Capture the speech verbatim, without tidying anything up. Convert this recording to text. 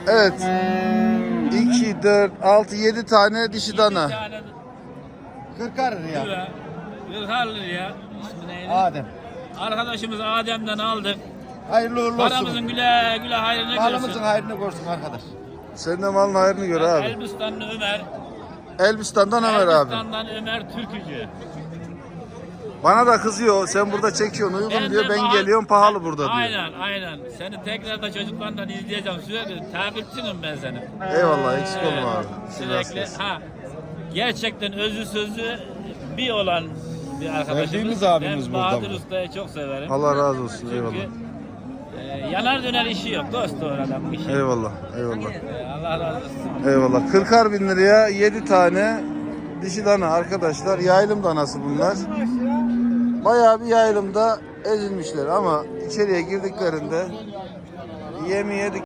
Evet. iki, dört, altı, yedi tane dişi dana. kırkar liraya. Kırkar liraya. İsmi neydi? Adem. Arkadaşımız Adem'den aldık. Hayırlı uğurlu Paramızın olsun. güle güle hayrını Malımızın görsün. hayrını görsün arkadaş. Senin de malın hayrını gör abi. Elbistanlı Ömer. Elbistan'dan Ömer abi. Elbistan'dan Ömer Türkücü. Bana da kızıyor. Sen burada çekiyorsun uygun Ben diyor. de Ben pahalı- geliyorum pahalı burada diyor. Aynen aynen. Seni tekrar da çocuklardan izleyeceğim sürekli. Takipçinim ben senin. Eyvallah eksik olma abi. Sürekli. Ha. Gerçekten özü sözü bir olan bir arkadaşımız. Sevdiğimiz abimiz ben burada Bahadır bu. Usta'yı çok severim. Allah razı olsun. Çünkü Eyvallah. e, yanar döner işi yok. Dost doğru adam işi. Eyvallah. Eyvallah. E, Allah razı olsun. Eyvallah. kırkar bin liraya yedi tane dişi dana arkadaşlar. Yaylım danası bunlar. Bayağı bir yaylımda ezilmişler ama içeriye girdiklerinde yemi yedik.